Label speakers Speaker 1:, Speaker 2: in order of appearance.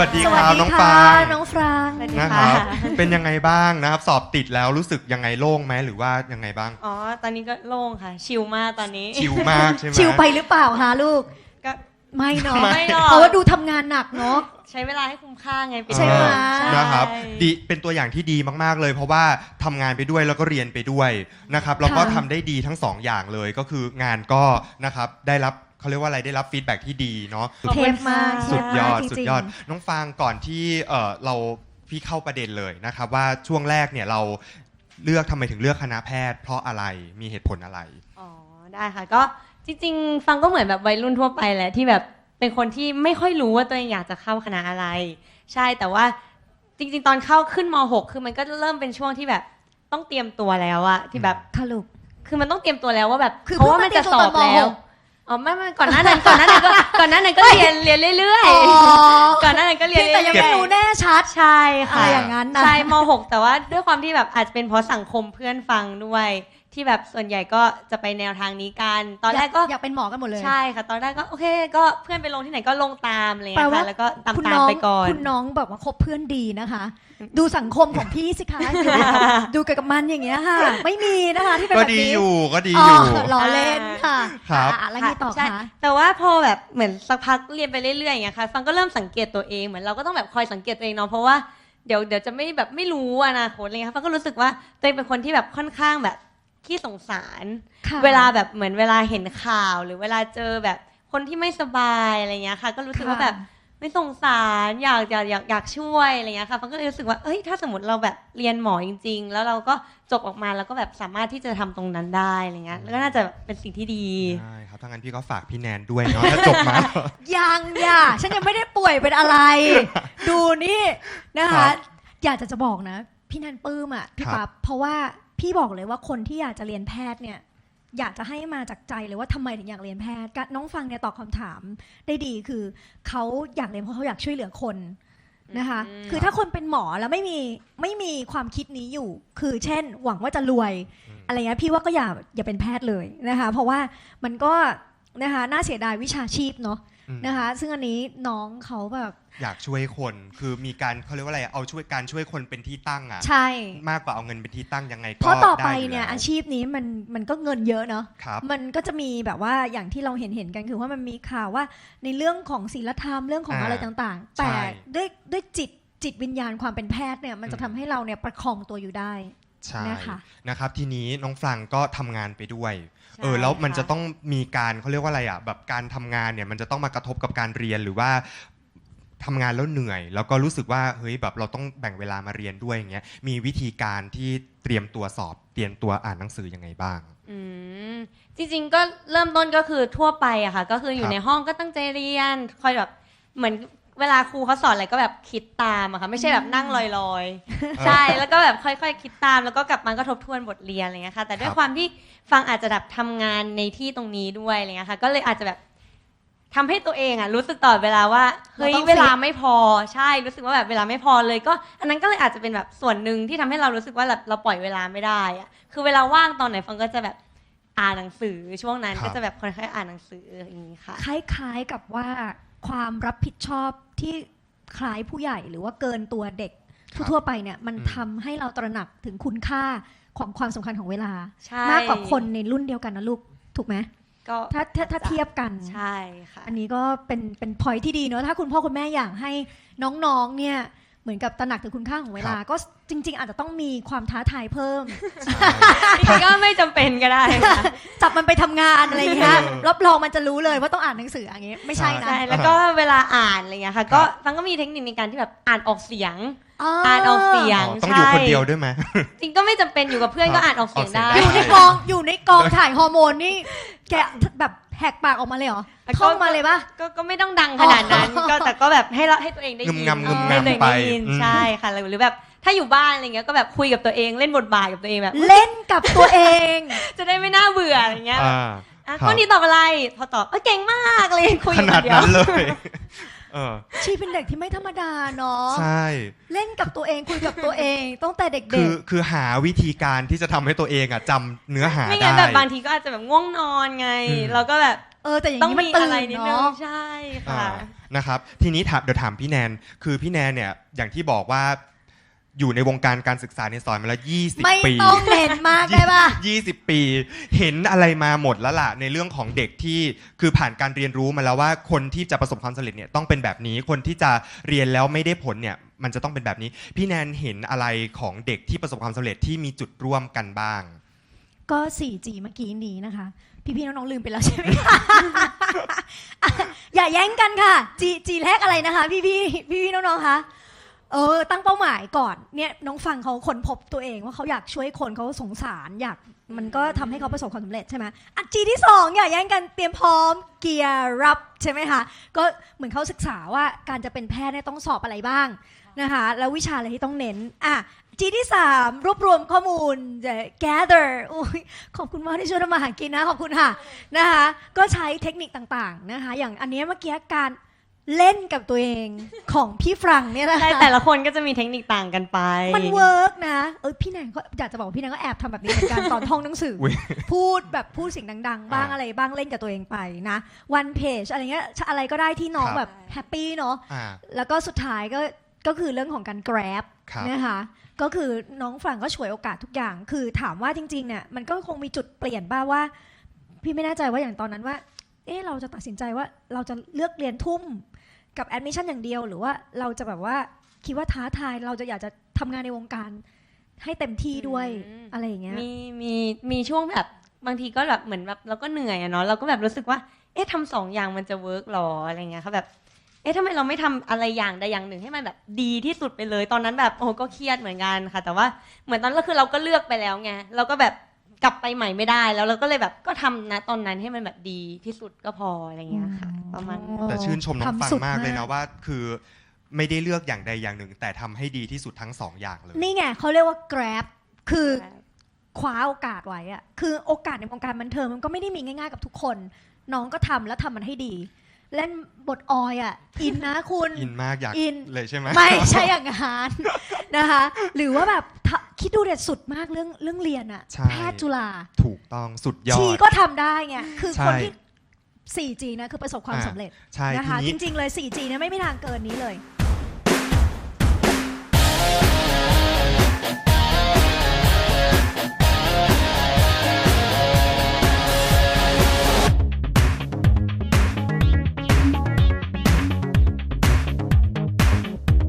Speaker 1: วัสดีครับน้องฟาง
Speaker 2: น้องฟาง
Speaker 1: นะครับเป็นยังไงบ้างนะครับสอบติดแล้วรู้สึกยังไงโล่งไหมหรือว่ายังไงบ้าง
Speaker 3: อ๋อตอนนี้ก็โล่งค่ะชิลมากตอนนี้
Speaker 1: ชิลมากใช่ไหม
Speaker 2: ชิลไปหรือเปล่าคะลูก
Speaker 3: ก็
Speaker 2: ไม่เนาะ
Speaker 3: ไม่หรอก
Speaker 2: เพราะว่าดูทำงานหนักเนาะ
Speaker 3: ใช้เวลาให้คุ้มค่าไง
Speaker 2: ใช่ไหม
Speaker 1: นะครับดีเป็นตัวอย่างที่ดีมากๆเลยเพราะว่าทำงานไปด้วยแล้วก็เรียนไปด้วยนะครับแล้วก็ทำได้ดีทั้งสองอย่างเลยก็คืองานก็นะครับได้รับเขาเรียกว่าอะไรได้รับฟีดแบ็กที่ดีเนาะ
Speaker 2: เทปมาก
Speaker 1: สุดยอดสุดยอดน้องฟางก่อนที่เราพี่เข้าประเด็นเลยนะครับว่าช่วงแรกเนี่ยเราทำไมถึงเลือกคณะแพทย์เพราะอะไรมีเหตุผลอะไร
Speaker 3: อ๋อได้ค่ะก็จริงๆฟังก็เหมือนแบบวัยรุ่นทั่วไปแหละที่แบบเป็นคนที่ไม่ค่อยรู้ว่าตัวเองอยากจะเข้าคณะอะไรใช่แต่ว่าจริงๆตอนเข้าขึ้นม.6 คือมันก็เริ่มเป็นช่วงที่แบบต้องเตรียมตัวแล้วอะที่แบบคือมันต้องเตรียมตัวแล้วว่าแบบเพราะว่ามันจะสอบแล้วอ๋อไม่ก่อนหน้านั้นก็เรียนเรื่อยๆก่อนหน้านั้นก็เรียน
Speaker 2: แต่ยังไม่รู้แน่ชัด
Speaker 3: ใช่ค่ะ
Speaker 2: อะไรอย่างนั้นนะ
Speaker 3: ใช่ม.6 แต่ว่าด้วยความที่แบบอาจจะเป็นเพราะสังคมเพื่อนฟังด้วยที่แบบส่วนใหญ่ก็จะไปแนวทางนี้กันตอนแรกก็
Speaker 2: อยากเป็นหมอกันหมดเลย
Speaker 3: ใช่ค่ะตอนแรกก็โอเคก็เพื่อนไปลงที่ไหนก็ลงตามเลยค่ะแล้วก็ตามไปก่อน
Speaker 2: คุณน้องแบบว่าคบเพื่อนดีนะคะดูสังคมของพี่สิคะดูกับมันอย่างเงี้ยค่ะไม่มีนะคะที่เป็นแบบนี้
Speaker 1: ก็ดีอยู่
Speaker 2: ล้อเล่นค่ะ
Speaker 1: ครับ
Speaker 2: แล้วไงต่อคะ
Speaker 3: แต่ว่าพอแบบเหมือนสักพักเรียนไปเรื่อยๆอย่างเงี้ยค่ะฟังก็เริ่มสังเกตตัวเองเหมือนเราก็ต้องแบบคอยสังเกตตัวเองเนาะเพราะว่าเดี๋ยวจะไม่รู้อนาคตอะไรเงี้ยฟังก็รู้สึกว่าตัวเองเป็นคนที่แบบค่อนข้างแบบขี้สงสารเวลาแบบเหมือนเวลาเห็นข่าวหรือเวลาเจอแบบคนที่ไม่สบายอะไรเงี้ยค่ะก็รู้สึกว่าแบบไม่สงสารอยากช่วยอะไรเงี้ยค่ะฟังก็เลยรู้สึกว่าเอ้ยถ้าสมมติเราแบบเรียนหมอจริงๆแล้วเราก็จบออกมาแล้วก็แบบสามารถที่จะทำตรงนั้นได้อะไรเงี้ยแล้วก็น่าจะเป็นสิ่งที่ดี
Speaker 1: ใช่ครับถ้างั้นพี่ก็ฝากพี่แนนด้วยเนาะถ้าจบมา
Speaker 2: ยังฉันยังไม่ได้ป่วยเป็นอะไรดูนี่นะคะอยากจะบอกนะพี่แนนปลื้มอ่ะพี่ปั๊บเพราะว่าพี่บอกเลยว่าคนที่อยากจะเรียนแพทย์เนี่ยอยากจะให้มาจากใจเลยว่าทำไมถึงอยากเรียนแพทย์น้องฟังเนี่ยตอบคำถามได้ดีคือเขาอยากเรียนเพราะเขาอยากช่วยเหลือคนนะคะคือถ้าคนเป็นหมอแล้วไม่มีความคิดนี้อยู่คือเช่นหวังว่าจะรวยอะไรเงี้ยพี่ว่าก็อย่าเป็นแพทย์เลยนะคะเพราะว่ามันก็นะคะน่าเสียดายวิชาชีพเนาะนะคะซึ่งอันนี้น้องเขาแบบ
Speaker 1: อยากช่วยคนคือมีการเขาเรียกว่าอะไรเอาช่วยคนเป็นที่ตั้งอ่ะ
Speaker 2: ใช่
Speaker 1: มากกว่าเอาเงินเป็นที่ตั้งยังไงก็
Speaker 2: เพราะต่อไปเนี่ยอาชีพนี้มันก็เงินเยอะเนาะ
Speaker 1: ครับ
Speaker 2: มันก็จะมีแบบว่าอย่างที่เราเห็นกันคือว่ามันมีข่าวว่าในเรื่องของศีลธรรมเรื่องของอะไรต่างๆแต่ด้วยจิตวิญญาณความเป็นแพทย์เนี่ยมันจะทำให้เราเนี่ยประคองตัวอยู่ได้
Speaker 1: ใช่นะครับทีนี้น้องฟรังก็ทำงานไปด้วยแล้วมันจะต้องมีการเขาเรียกว่าอะไรอ่ะแบบการทำงานเนี่ยมันจะต้องมากระทบกับการเรียนหรือว่าทำงานแล้วเหนื่อยแล้วก็รู้สึกว่าเฮ้ยแบบเราต้องแบ่งเวลามาเรียนด้วยอย่างเงี้ยมีวิธีการที่เตรียมตัวสอบเตรียมตัวอ่านหนังสือยังไงบ้าง
Speaker 3: จริงๆก็เริ่มต้นก็คือทั่วไปอะค่ะก็คืออยู่ในห้องก็ตั้งใจเรียนคอยแบบเหมือนเวลาครูเขาสอนอะไรก็แบบคิดตามอะค่ะไม่ใช่แบบนั่งลอยๆใช่แล้วก็แบบค่อยๆคิดตามแล้วก็กลับมาก็ทบทวนบทเรียนอะไรเงี้ยค่ะแต่ด้วยความที่ฟังอาจจะแบบทำงานในที่ตรงนี้ด้วยอะไรเงี้ยค่ะก็เลยอาจจะแบบทำให้ตัวเองอะรู้สึกตลอดเวลาว่าเฮ้ยเวลาไม่พอใช่รู้สึกว่าแบบเวลาไม่พอเลยก็อันนั้นก็เลยอาจจะเป็นแบบส่วนหนึ่งที่ทำให้เรารู้สึกว่าแบบเราปล่อยเวลาไม่ได้อะคือเวลาว่างตอนไหนฟังก็จะแบบอ่านหนังสือช่วงนั้นก็จะแบบค่อยๆอ่านหนังสืออย่างนี้ค่ะ
Speaker 2: คล้ายๆกับว่าความรับผิดชอบที่คล้ายผู้ใหญ่หรือว่าเกินตัวเด็กทั่วไปเนี่ยมันทำให้เราตระหนักถึงคุณค่าของความสำคัญของเวลามากกว่าคนในรุ่นเดียวกันนะลูกถูกไหมก็ถ้าเทียบกัน
Speaker 3: ใช่ค่ะ
Speaker 2: อันนี้ก็เป็น point ที่ดีเนอะถ้าคุณพ่อคุณแม่อยากให้น้องๆเนี่ยเหมือนกับตระหนักถึงคุณค่าของเวลาก็จริงๆอาจจะต้องมีความท้าทายเพิ่ม
Speaker 3: ก็ไม่จำเป็นก็ได้
Speaker 2: จับมันไปทำงานอะไรอย่างเงี้ยรับรองมันจะรู้เลยว่าต้องอ่านหนังสืออย่างเงี้ยไม่ใช่นะ
Speaker 3: แล้วก็เวลาอ่านอะไรเงี้ยค่ะก็ฟังก็มีเทคนิคในการที่แบบอ่านออกเสียงออกเสียง
Speaker 1: ต้องอยู่คนเดียวด้วยไหม
Speaker 3: จริงก็ไม่จำเป็นอยู่กับเพื่อนก็อ่านออกเสียงได้
Speaker 2: อยู่ในกองถ่ายฮอร์โมนนี่แกแบบแหกปากออกมาเลยเหรอท่องมาเลยปะ
Speaker 3: ก็ไม่ต้องดังขนาดนั้นก็แต่ก็แบบให้ตัวเองได้ยิน
Speaker 1: ให้ตัวเองได้
Speaker 3: ยินใช่ค่ะหรือแบบถ้าอยู่บ้านอะไรเงี้ยก็แบบคุยกับตัวเองเล่นบทบาทกับตัวเองแบบ
Speaker 2: เล่นกับตัวเอง
Speaker 3: จะได้ไม่น่าเบื่ออะไรเงี้ยข้อนี้ตอบอะไรพอตอบเก่งมากเลยคุย
Speaker 1: ขนาดนั้นเลย
Speaker 2: ชีเป็นเด็กที่ไม่ธรรมดาเนาะ
Speaker 1: ใช่
Speaker 2: เล่นกับตัวเองคุยกับตัวเองตั้งแต่เด็ก
Speaker 1: ๆคือหาวิธีการที่จะทำให้ตัวเองจำเนื้อหาได้
Speaker 3: ไม่งั้นแบบบางทีก็อาจจะแบบง่วงนอนไงเราก็แบบ
Speaker 2: แต่อย่างนี้มันตื่น
Speaker 3: เนาะใช่ค่ะ
Speaker 1: นะครับทีนี้เดี๋ยวถามพี่แนนคือพี่แนนเนี่ยอย่างที่บอกว่าอยู่ในวงการการศึกษาในสอนมาแล้ว20
Speaker 2: ไม่
Speaker 1: ปี
Speaker 2: ต้องเน้นมากได้ป่ะ
Speaker 1: 20 ปี เห็นอะไรมาหมดแล้วล่ะในเรื่องของเด็กที่คือผ่านการเรียนรู้มาแล้วว่าคนที่จะประสบความสำเร็จเนี่ยต้องเป็นแบบนี้คนที่จะเรียนแล้วไม่ได้ผลเนี่ยมันจะต้องเป็นแบบนี้พี่แนนเห็นอะไรของเด็กที่ประสบความสำเร็จที่มีจุดร่วมกันบ้าง
Speaker 2: ก็ 4G เมื่อกี้นี้นะคะ พี่ๆน้องๆลืมไปแล้วใช่ไหมคะ อย่าแย่งกันค่ะ G แรกอะไรนะคะ พี่ๆน้องๆคะตั้งเป้าหมายก่อนเนี่ยน้องฟังเขาค้นพบตัวเองว่าเขาอยากช่วยคนเขาสงสารอยากมันก็ทำให้เขาประสบความสำเร็จใช่ไหมG ที่2อย่าแย่งกันเตรียมพร้อมเกียร์รับใช่ไหมคะก็เหมือนเขาศึกษาว่าการจะเป็นแพทย์เนี่ยต้องสอบอะไรบ้างนะคะแล้ววิชาอะไรที่ต้องเน้นG ที่3รวบรวมข้อมูล gather ขอบคุณมากที่ช่วยทำมาหากินนะขอบคุณค่ะนะคะก็ใช้เทคนิคต่างๆนะคะอย่างอันนี้เมื่อกี้การเล่นกับตัวเองของพี่ฟรังเนี่ยนะคะ
Speaker 3: ใช่แต่ละคนก็จะมีเทคนิคต่างกันไป
Speaker 2: มันเวิร์กนะพี่แนนก็อยากจะบอกว่าพี่แนนก็แอบทำแบบนี้เหมือนกัน ตอนท่องหนังสือ พูดเสียงดังๆบ้างอะไรบ้างเล่นกับตัวเองไปนะ one page อะไรเงี้ยอะไรก็ได้ที่น้องแบบแฮปปี้เนาะแล้วก็สุดท้ายก็คือเรื่องของการ grab นะคะก็คือน้องฝรั่งก็ฉวยโอกาสทุกอย่างคือถามว่าจริงๆเนี่ยมันก็คงมีจุดเปลี่ยนบ้างว่าพี่ไม่แน่ใจว่าอย่างตอนนั้นว่าเราจะตัดสินใจว่าเราจะเลือกเรียนทุ่มกับแอดมิชชั่นอย่างเดียวหรือว่าเราจะแบบว่าคิดว่าท้าทายเราจะอยากจะทำงานในวงการให้เต็มที่ด้วยอะไรอย่างเงี้ย
Speaker 3: มีช่วงแบบบางทีก็แบบเหมือนแบบเราก็เหนื่อยอะเนาะเราก็แบบรู้สึกว่าทำ2 อย่างมันจะเวิร์กหรออะไรเงี้ยค่ะแบบทำไมเราไม่ทำอะไรอย่างใดอย่างหนึ่งให้มันแบบดีที่สุดไปเลยตอนนั้นแบบก็เครียดเหมือนกันค่ะแต่ว่าเหมือนตอนนั้นคือเราก็เลือกไปแล้วไงเราก็แบบกลับไปใหม่ไม่ได้แล้วเราก็เลยแบบก็ทำนะตอนนั้นให้มันแบบดีที่สุดก็พออะไรเงี้ยค่ะประมาณ
Speaker 1: แต่ชื่นชมน้องฟังมากเลยนะว่าคือไม่ได้เลือกอย่างใดอย่างหนึ่งแต่ทำให้ดีที่สุดทั้ง2 อย่างเลย
Speaker 2: นี่ไงเขาเรียกว่า grab คือคว้าโอกาสไว้อะคือโอกาสในวงการบันเทิงมันก็ไม่ได้มีง่ายๆกับทุกคนน้องก็ทำแล้วทำมันให้ดีเล่นบทออยอินนะคุณ
Speaker 1: อินมากอยากเลยใช่ไหม
Speaker 2: ไม่ใช่อย่างนั้นนะคะหรือว่าแบบคิดดูเด็ดสุดมากเรื่องเรียนแพทย์จุฬา
Speaker 1: ถูกต้องสุดยอด
Speaker 2: ชีก็ทำได้ไงคือคนที่ 4G นะคือประสบความสำเร็จนะคะจริงๆเลย 4G เนี่ยไม่มีทางเกินนี้เลย